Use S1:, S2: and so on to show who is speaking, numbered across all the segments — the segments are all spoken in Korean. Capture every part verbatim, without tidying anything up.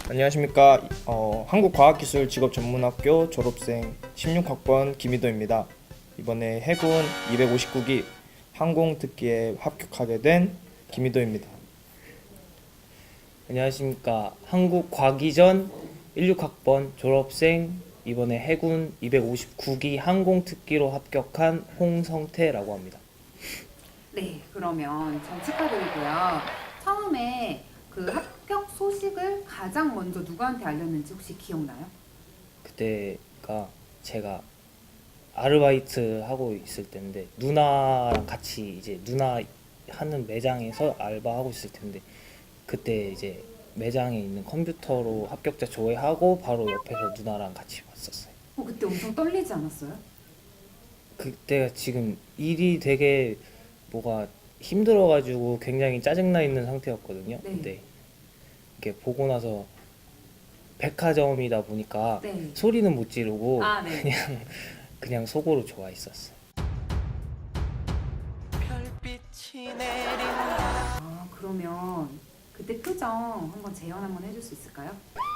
S1: 안녕하십니까. 어, 한국과학기술직업전문학교 졸업생 십육 학번 김희도입니다. 이번에 해군 이백오십구 기 항공특기에 합격하게 된 김희도입니다.
S2: 안녕하십니까. 한국과기전 십육 학번 졸업생 이번에 해군 이백오십구 기 항공특기로 합격한 홍성태라고 합니다.
S3: 네, 그러면 전 축하드리고요. 처음에 그 합격 소식을 가장 먼저 누구한테 알렸는지 혹시 기억나요?
S2: 그때가 제가 아르바이트 하고 있을 때인데 누나랑 같이 이제 누나 하는 매장에서 알바하고 있을 텐데 그때 이제 매장에 있는 컴퓨터로 합격자 조회하고 바로 옆에서 누나랑 같이 봤었어요.
S3: 어, 그때 엄청 떨리지 않았어요?
S2: 그때가 지금 일이 되게 뭐가 힘들어가지고 굉장히 짜증나 있는 상태였거든요.
S3: 네.
S2: 근데 이렇게 보고 나서 백화점이다 보니까
S3: 네.
S2: 소리는 못 지르고
S3: 아, 네.
S2: 그냥 그냥 속으로 좋아했었어요.
S3: 아, 그러면 그때 표정 한번 재현 한번 해줄 수 있을까요?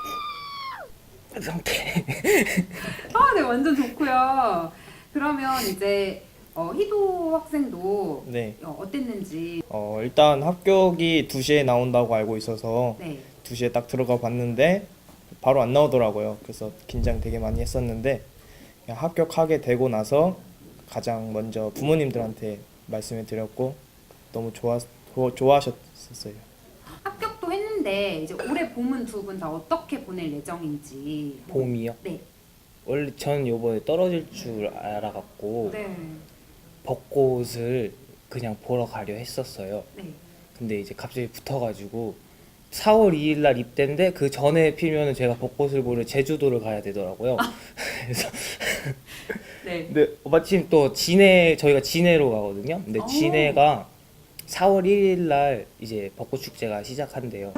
S2: 상태.
S3: 아, 네, 완전 좋고요. 그러면 이제 어, 희도 학생도
S1: 네.
S3: 어, 어땠는지.
S1: 어, 일단 합격이 두 시에 나온다고 알고 있어서
S3: 네.
S1: 두 시에 딱 들어가 봤는데 바로 안 나오더라고요. 그래서 긴장 되게 많이 했었는데 그냥 합격하게 되고 나서 가장 먼저 부모님들한테 말씀을 드렸고 너무 좋아, 좋아하셨었어요.
S3: 합격도 했는데 이제 올해 봄은 두 분 다 어떻게 보낼 예정인지.
S2: 봄이요?
S3: 네.
S2: 원래 전 요번에 떨어질 줄 알아갖고
S3: 네.
S2: 벚꽃을 그냥 보러 가려 했었어요.
S3: 네.
S2: 근데 이제 갑자기 붙어가지고 사월 이일 날 입대인데 그 전에 피면은 제가 벚꽃을 보러 제주도를 가야 되더라고요. 그래서
S3: 네.
S2: 근데 마침 또 진해 저희가 진해로 가거든요. 근데
S3: 오.
S2: 진해가 사월 일일 날 이제 벚꽃 축제가 시작한대요.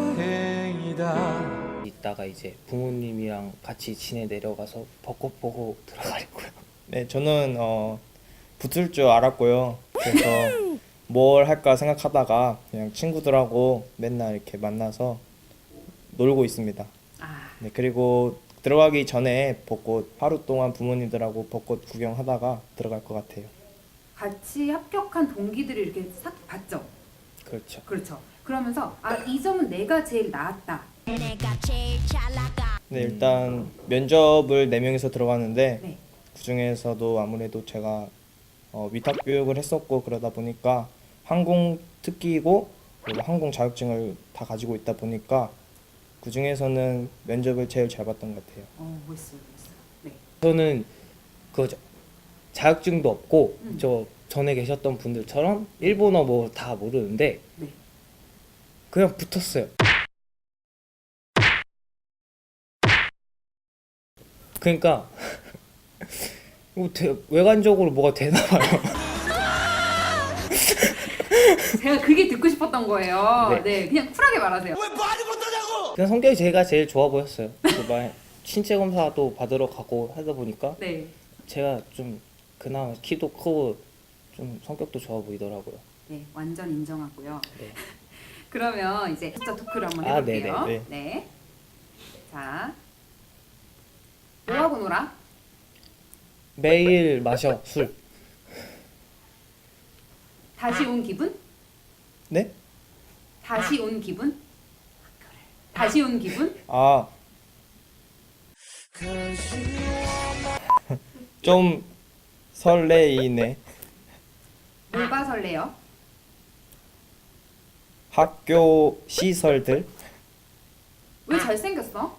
S2: 이따가 이제 부모님이랑 같이 진해 내려가서 벚꽃 보고 들어가려고요.
S1: 네, 저는 어, 붙을 줄 알았고요. 그래서 뭘 할까 생각하다가 그냥 친구들하고 맨날 이렇게 만나서 놀고 있습니다.
S3: 아,
S1: 네, 그리고 들어가기 전에 벚꽃 하루 동안 부모님들하고 벚꽃 구경하다가 들어갈 것 같아요.
S3: 같이 합격한 동기들을 이렇게 싹 봤죠.
S2: 그렇죠.
S3: 그렇죠. 그러면서 아, 이 점은 내가 제일 나았다.
S1: 네, 일단 면접을 네 명이서 들어갔는데
S3: 네.
S1: 그 중에서도 아무래도 제가 어, 위탁 교육을 했었고 그러다 보니까 항공 특기이고 그리고 항공 자격증을 다 가지고 있다 보니까 그 중에서는 면접을 제일 잘 봤던 것 같아요.
S3: 어, 멋있어요, 멋있어요. 네.
S2: 저는 그 자- 자격증도 없고
S3: 음.
S2: 저 전에 계셨던 분들처럼 일본어 뭐 다 모르는데
S3: 네.
S2: 그냥 붙었어요. 그러니까 뭐 대- 외관적으로 뭐가 되나 봐요.
S3: 제가 그게 듣고 싶었던 거예요.
S2: 네.
S3: 네. 그냥 쿨하게 말하세요.
S2: 그냥 성격이 제가 제일 좋아 보였어요. 그막 신체 검사도 받으러 가고 하다 보니까
S3: 네.
S2: 제가 좀 그나마 키도 크고 좀 성격도 좋아 보이더라고요.
S3: 네, 완전 인정하고요.
S2: 네.
S3: 그러면 이제 숫자 토크를 한번
S2: 아,
S3: 해볼게요.
S1: 네네,
S3: 네. 자, 뭐 하고 놀아?
S2: 매일 마셔 술.
S3: 다시 온 기분?
S1: 네?
S3: 다시 온 기분? 다시 온 기분?
S1: 아, 좀 설레이네.
S3: 뭐가 설레요?
S1: 학교 시설들.
S3: 왜 잘생겼어?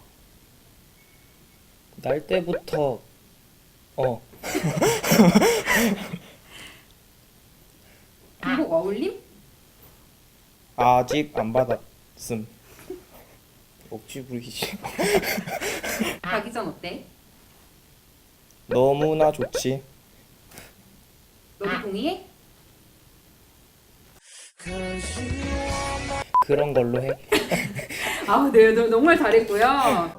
S2: 날 때부터 어
S3: 군복 어울림?
S1: 아직 안 받았음. 억지 부리기.
S3: 가기 전 어때?
S1: 너무나 좋지.
S3: 너도 동의해?
S2: 그런 걸로 해.
S3: 아, 네, 너, 정말 잘했고요.